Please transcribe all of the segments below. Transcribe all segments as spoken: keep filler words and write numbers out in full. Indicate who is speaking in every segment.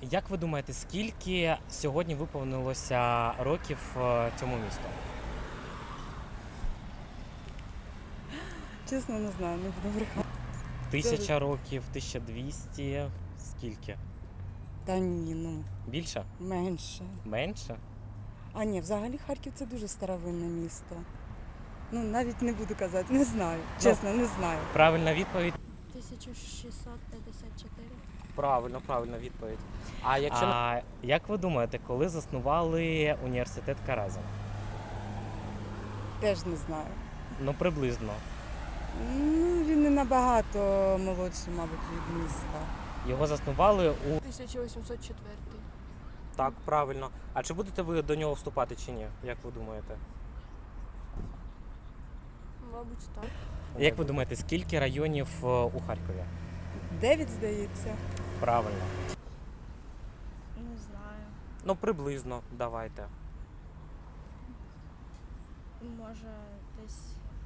Speaker 1: Як ви думаєте, скільки сьогодні виповнилося років е, цьому місту?
Speaker 2: Чесно, не знаю, не буду брехати.
Speaker 1: Тисяча років, тисяча двісті, скільки?
Speaker 2: Та ні, ну,
Speaker 1: Більше?
Speaker 2: менше.
Speaker 1: Менше?
Speaker 2: А ні, взагалі Харків це дуже старовинне місто. Ну, навіть не буду казати, не знаю. Чесно, не знаю.
Speaker 1: Правильна відповідь?
Speaker 3: тисяча шістсот п'ятдесят чотири.
Speaker 1: Правильно, правильна відповідь. А якщо а, як ви думаєте, коли заснували університет Каразін?
Speaker 2: Теж не знаю.
Speaker 1: Ну, приблизно.
Speaker 2: Ну, він не набагато молодший, мабуть, від міста.
Speaker 1: Його заснували у...
Speaker 3: тисяча вісімсот четвертий.
Speaker 1: Так, правильно. А чи будете ви до нього вступати чи ні? Як ви думаєте?
Speaker 3: Мабуть, так.
Speaker 1: Як ви думаєте, скільки районів е, у Харкові?
Speaker 2: Дев'ять, здається.
Speaker 1: Правильно.
Speaker 3: Не знаю.
Speaker 1: Ну, приблизно, давайте.
Speaker 3: Може, десь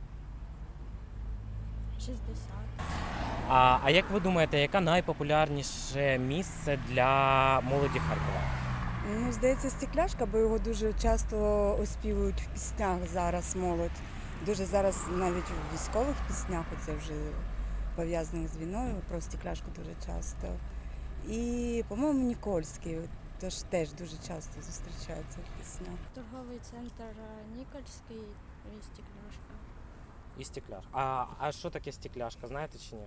Speaker 3: шістдесят.
Speaker 1: А, а як ви думаєте, яке найпопулярніше місце для молоді Харкова?
Speaker 2: Ну, здається, Стекляшка, бо його дуже часто оспівують в піснях зараз молодь. Дуже зараз навіть в військових піснях, оце вже пов'язаних з війною, про Стекляшку дуже часто. І, по-моєму, Нікольський теж, теж дуже часто зустрічається в піснях.
Speaker 3: Торговий центр Нікольський і Стекляшка.
Speaker 1: І стекляшка. А, а що таке стекляшка, знаєте чи ні?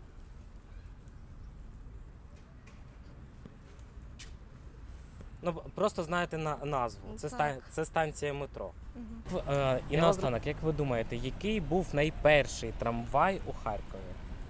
Speaker 1: Ну, просто знаєте на назву. Це,
Speaker 3: Так.
Speaker 1: ста, це станція метро.
Speaker 3: Угу.
Speaker 1: Е, і
Speaker 4: Я
Speaker 1: наостанок, як ви думаєте, який був найперший трамвай у Харкові?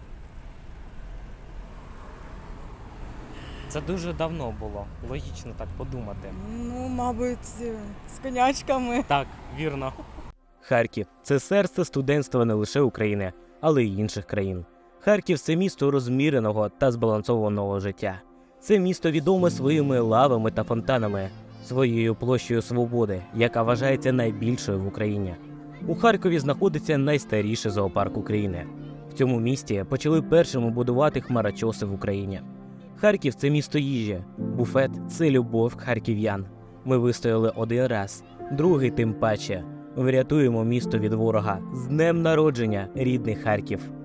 Speaker 1: Це дуже давно було. Логічно так подумати.
Speaker 2: Ну, мабуть, з конячками.
Speaker 1: Так, вірно.
Speaker 4: Харків – це серце студентства не лише України, але й інших країн. Харків – це місто розміреного та збалансованого життя. Це місто відоме своїми лавами та фонтанами, своєю площею свободи, яка вважається найбільшою в Україні. У Харкові знаходиться найстаріший зоопарк України. В цьому місті почали першими будувати хмарочоси в Україні. Харків – це місто їжі. Буфет – це любов харків'ян. Ми вистояли один раз, другий тим паче. Врятуємо місто від ворога. З днем народження, рідний Харків!